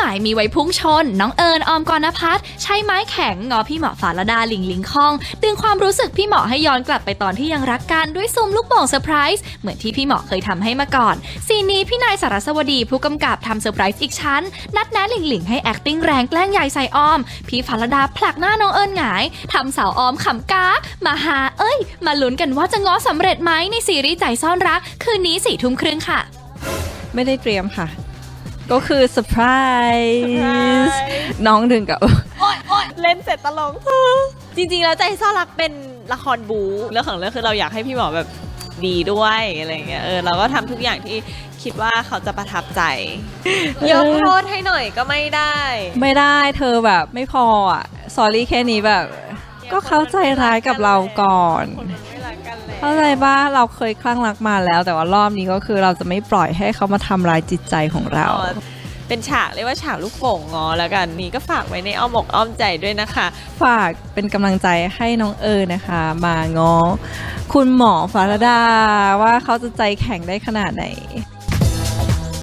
ายมีไว้พุ่งชนน้องเอิญออมกรณพัฒน์ใช้ไม้แข็งงอพี่เหมาะฝาละดาหลิงหลิงคองดึงความรู้สึกพี่เหมาะให้ย้อนกลับไปตอนที่ยังรักกันด้วยซุ่มลูกโป่งเซอร์ไพรส์เหมือนที่พี่เหมาะเคยทำให้มาก่อนซีนนี้พี่นายสารสวดีผู้กำกับทำเซอร์ไพรส์อีกชั้นนัดแนะหลิงหลิงให้ acting แรงแกล้งใหญ่ใส่ออมพี่ฝาละดาผลักหน้าน้องเอิญหงายทำสาวออมขำก้ามาหามาลุ้นกันว่าจะง้อสำเร็จไหมในซีรีส์ใจซ่อนรักคืนนี้ 22:30 น.ค่ะไม่ได้เตรียมค่ะก็คือเซอร์ไพรส์น้องถึงกับเล่นเสร็จตลกจริงๆแล้วใจซ่อนรักเป็นละครบูเรื่องของเรื่องคือเราอยากให้พี่หมอแบบดีด้วยอะไรเงี้ยเราก็ทำทุกอย่างที่คิดว่าเขาจะประทับใจยกโทษให้หน่อยก็ไม่ได้เธอแบบไม่พออ่ะสอรี่แค่นี้แบบก็เข้าใจร้ายกับเราก่อนเข้าใจป่ะเราเคยคลั่งรักมาแล้วแต่ว่ารอบนี้ก็คือเราจะไม่ปล่อยให้เขามาทำร้ายจิตใจของเราเป็นฉากเรียกว่าฉากลูกโป่งงอแล้วกันนี่ก็ฝากไว้ในอ้อมอกอ้อมใจด้วยนะคะฝากเป็นกำลังใจให้น้องนะคะมาง้อคุณหมอฟาราดาว่าเขาจะใจแข็งได้ขนาดไหน